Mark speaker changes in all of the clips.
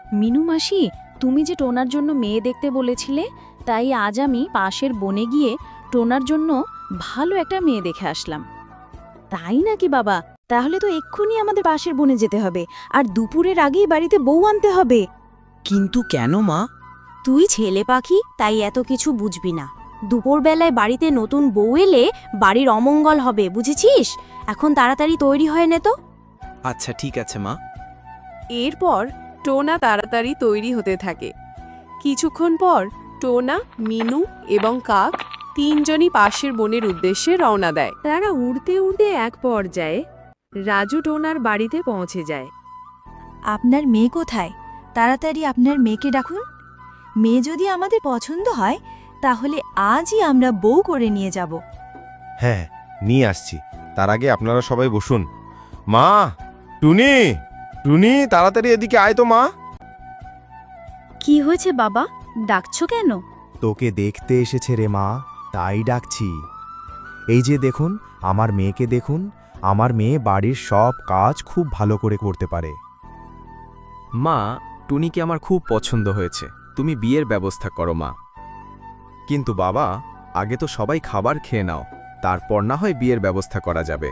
Speaker 1: মিনু মাসি, তুমি যে টোনার জন্য মেয়ে দেখতে বলেছিলে, তাই আজ আমি পাশের বনে গিয়ে টোনার জন্য ভালো একটা মেয়ে দেখে আসলাম।
Speaker 2: তাই নাকি বাবা? তাহলে তো এক্ষুনি আমাদের পাশের বনে যেতে হবে, আর দুপুরের আগেই বাড়িতে বউ আনতে হবে।
Speaker 3: কিন্তু কেন মা?
Speaker 2: তুই ছেলে পাখি, তাই এত কিছু বুঝবি না। দুপুরবেলায় বাড়িতে নতুন বউ এলে বাড়ির অমঙ্গল হবে, বুঝেছিস? এখন তাড়াতাড়ি তৈরি হয়ে নে তো।
Speaker 3: আচ্ছা ঠিক আছে মা।
Speaker 4: এরপর টোনা তাড়াতাড়ি তৈরি হতে থাকে। কিছুক্ষণ পর টোনা, মিনু এবং কাক তিনজনই পাশের বনের উদ্দেশ্যে রওনা দেয়। তারা উড়তে উড়তে এক পর্যায়ে রাজু টোনার বাড়িতে পৌঁছে যায়।
Speaker 2: আপনার মেয়ে কোথায়? তাড়াতাড়ি আপনার মেয়েকে ডাকুন। মেয়ে যদি আমাদের পছন্দ হয় তাহলে আজই আমরা বউ করে নিয়ে যাব।
Speaker 5: হ্যাঁ, নিয়ে আসছি। তার আগে আপনারা সবাই বসুন। মা, টুনি, টুনি, তাড়াতাড়ি এদিকে আয় তো মা।
Speaker 2: কি হয়েছে বাবা, ডাকছো কেন?
Speaker 6: তোকে দেখতে এসেছে রে মা, তাই ডাকছি। এই যে দেখুন, আমার মেয়েকে দেখুন। আমার মেয়ে বাড়ির সব কাজ খুব ভালো করে করতে পারে।
Speaker 3: মা, টুনিকে আমার খুব পছন্দ হয়েছে। তুমি বিয়ের ব্যবস্থা করো মা। কিন্তু বাবা, আগে তো সবাই খাবার খেয়ে নাও, তারপর না হয় বিয়ের ব্যবস্থা করা যাবে।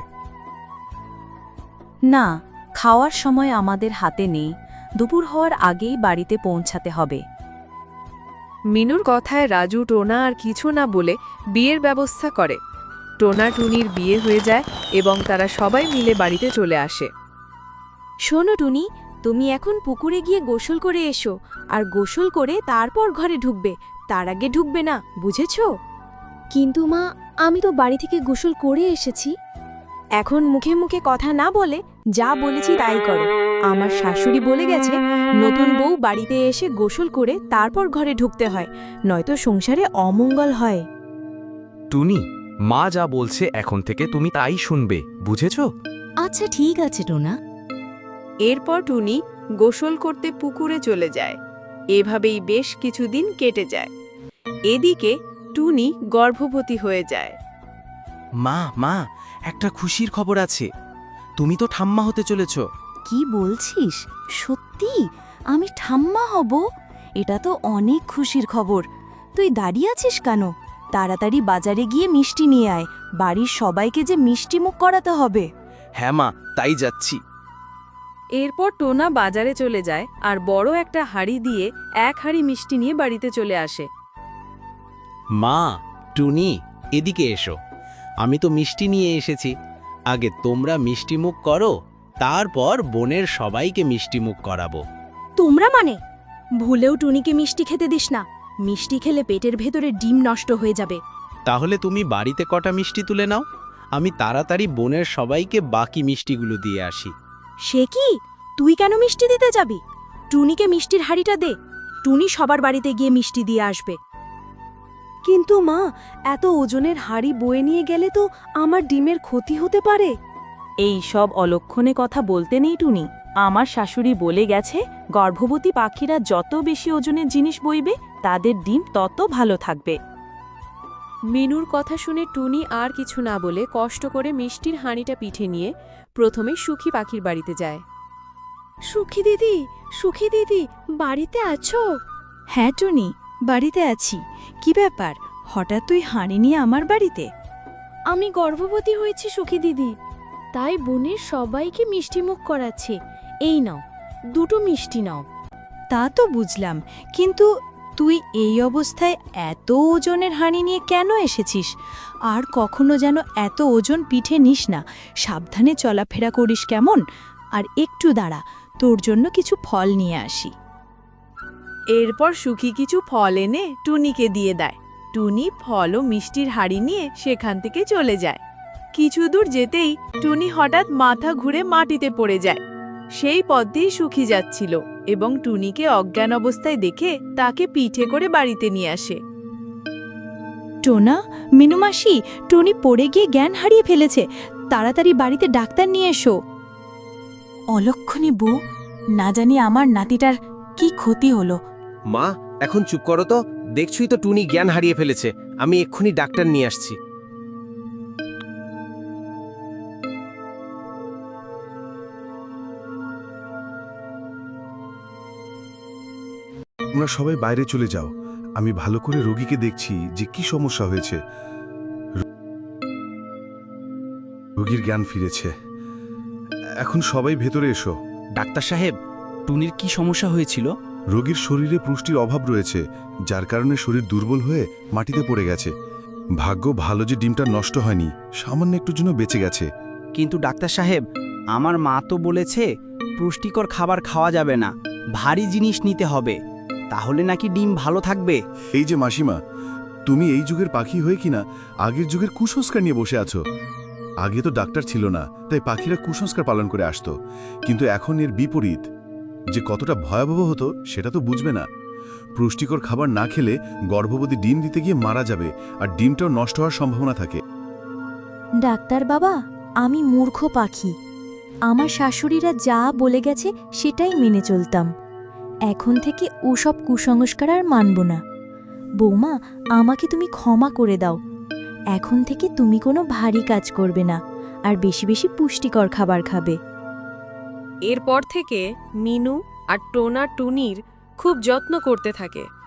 Speaker 1: না, খাওয়ার সময় আমাদের হাতে নেই। দুপুর হওয়ার আগেই বাড়িতে পৌঁছাতে হবে।
Speaker 4: মিনুর কথায় রাজু টোনা আর কিছু না বলে বিয়ের ব্যবস্থা করে। টোনা টুনির বিয়ে হয়ে যায় এবং তারা সবাই মিলে বাড়িতে চলে আসে।
Speaker 2: শোনো টুনি, তুমি এখন পুকুরে গিয়ে গোসল করে এসো, আর গোসল করে তারপর ঘরে ঢুকবে, তার আগে ঢুকবে না, বুঝেছো? কিন্তু মা, আমি তো বাড়ি থেকে গোসল করে এসেছি। এখন মুখে মুখে কথা না বলে যা বলেছি তাই করো। আমার শাশুড়ি বলে গেছে, নতুন বউ বাড়িতে এসে গোসল করে তারপর ঘরে ঢুকতে হয়, নয়তো সংসারে অমঙ্গল হয়।
Speaker 3: টুনি, মা যা বলছে এখন থেকে তুমি তাই শুনবে, বুঝেছো?
Speaker 2: আচ্ছা ঠিক আছে টোনা।
Speaker 4: এরপর টুনি গোসল করতে পুকুরে চলে যায়। এভাবেই বেশ কিছুদিন কেটে যায়। এদিকে টুনি গর্ভবতী হয়ে যায়।
Speaker 3: মা, মা, একটা খুশির খবর আছে। তুমি তো ঠাম্মা হতে চলেছ।
Speaker 2: কি বলছিস? সত্যি আমি ঠাম্মা হব? এটা তো অনেক খুশির খবর। তুই দাঁড়িয়ে আছিস কেন? তাড়াতাড়ি বাজারে গিয়ে মিষ্টি নিয়ে আয়, বাড়ির সবাইকে যে মিষ্টি মুখ করাতে হবে।
Speaker 3: হ্যাঁ মা, তাই যাচ্ছি।
Speaker 4: এরপর টোনা বাজারে চলে যায় আর বড় একটা হাঁড়ি দিয়ে এক হাঁড়ি মিষ্টি নিয়ে বাড়িতে চলে আসে।
Speaker 7: মা, টুনি, এদিকে এসো। আমি তো মিষ্টি নিয়ে এসেছি। আগে তোমরা মিষ্টিমুখ করো, তারপর বোনের সবাইকে মিষ্টিমুখ করাবো।
Speaker 2: তোমরা মানে? ভুলেও টুনিকে মিষ্টি খেতে দিস না। মিষ্টি খেলে পেটের ভেতরে ডিম নষ্ট হয়ে যাবে।
Speaker 7: তাহলে তুমি বাড়িতে কটা মিষ্টি তুলে নাও, আমি তাড়াতাড়ি বোনের সবাইকে বাকি মিষ্টিগুলো দিয়ে আসি।
Speaker 2: সে কি? তুই কেন মিষ্টি দিতে যাবি? টুনিকে মিষ্টির হাঁড়িটা দে, টুনি সবার বাড়িতে গিয়ে মিষ্টি দিয়ে আসবে। কিন্তু মা, এত ওজনের হাঁড়ি বয়ে নিয়ে গেলে তো আমার ডিমের ক্ষতি হতে পারে।
Speaker 1: এই সব অলক্ষণে কথা বলতে নেই টুনি। আমার শাশুড়ি বলে গেছে, গর্ভবতী পাখিরা যত বেশি ওজনের জিনিস বইবে তাদের ডিম তত ভালো থাকবে।
Speaker 4: মিনুর কথা শুনে টুনি আর কিছু না বলে কষ্ট করে মিষ্টির হাঁড়িটা পিঠে নিয়ে প্রথমে সুখী পাখির বাড়িতে যায়।
Speaker 2: সুখী দিদি, সুখী দিদি, বাড়িতে আছো? হ্যাঁ টুনি, বাড়িতে আছি। কি ব্যাপার, হঠাৎ তুই হাঁড়ি নিয়ে আমার বাড়িতে? আমি গর্ভবতী হয়েছি সুখী দিদি, তাই বোনের সবাইকে মিষ্টিমুখ করাচ্ছে। এই নাও, দুটো মিষ্টি নাও। তা তো বুঝলাম, কিন্তু তুই এই অবস্থায় এত ওজনের হাঁড়ি নিয়ে কেন এসেছিস? আর কখনো যেন এত ওজন পিঠে নিস না, সাবধানে চলাফেরা করিস কেমন? আর একটু দাঁড়া, তোর জন্য কিছু ফল নিয়ে আসি।
Speaker 4: এরপর সুখী কিছু ফল এনে টুনিকে দিয়ে দেয়। টুনি ফল ও মিষ্টির হাঁড়ি নিয়ে সেখান থেকে চলে যায়। কিছু দূর যেতেই টুনি হঠাৎ মাথা ঘুরে মাটিতে পড়ে যায়। সেই পথ দিয়ে সুখী যাচ্ছিল এবং টুনিকে অজ্ঞান অবস্থায় দেখে তাকে পিঠে করে বাড়িতে নিয়ে আসে।
Speaker 2: টোনা, মিনুমাসি, টুনি পড়ে গিয়ে জ্ঞান হারিয়ে ফেলেছে, তাড়াতাড়ি বাড়িতে ডাক্তার নিয়ে এসো। অলক্ষণী বউ, না জানি আমার নাতিটার কি ক্ষতি হলো।
Speaker 7: মা, এখন চুপ করো তো। দেখছই তো টুনি জ্ঞান হারিয়ে ফেলেছে। আমি এক্ষুনি ডাক্তার নিয়ে আসছি।
Speaker 8: তোমরা সবাই বাইরে চলে যাও, আমি ভালো করে রোগীকে দেখছি যে কি সমস্যা হয়েছে। রোগীর জ্ঞান ফিরেছে, এখন সবাই ভেতরে এসো।
Speaker 9: ডাক্তার সাহেব, টুনির কি সমস্যা হয়েছিল?
Speaker 8: রোগীর শরীরে পুষ্টির অভাব রয়েছে, যার কারণে শরীর দুর্বল হয়ে মাটিতে পড়ে গেছে। ভাগ্য ভালো যে ডিমটা নষ্ট হয়নি, সামান্য একটুর জন্য বেঁচে গেছে।
Speaker 9: কিন্তু ডাক্তার সাহেব, আমার মা তো বলেছে পুষ্টিকর খাবার খাওয়া যাবে না, ভারী জিনিস নিতে হবে, তাহলে নাকি ডিম ভালো থাকবে।
Speaker 8: এই যে মাসিমা, তুমি এই যুগের পাখি হয়ে কিনা আগের যুগের কুসংস্কার নিয়ে বসে আছো। আগে তো ডাক্তার ছিল না, তাই পাখিরা কুসংস্কার পালন করে আসতো, কিন্তু এখন এর বিপরীত। যে কতটা ভয়াবহ হতো সেটা তো বুঝবে না। পুষ্টিকর খাবার না খেলে গর্ভবতী ডিম দিতে গিয়ে মারা যাবে, আর ডিমটাও নষ্ট হওয়ার সম্ভাবনা থাকে।
Speaker 2: ডাক্তার বাবা, আমি মূর্খ পাখি। আমার শাশুড়িরা যা বলে গেছে সেটাই মেনে চলতাম। এখন থেকে ওসব কুসংস্কার আর মানব না। বৌমা, আমাকে তুমি ক্ষমা করে দাও। এখন থেকে তুমি কোনো ভারী কাজ করবে না, আর বেশি বেশি পুষ্টিকর খাবার খাবে।
Speaker 4: এরপর থেকে মিনু আর টোনা টুনির খুব যত্ন করতে থাকে।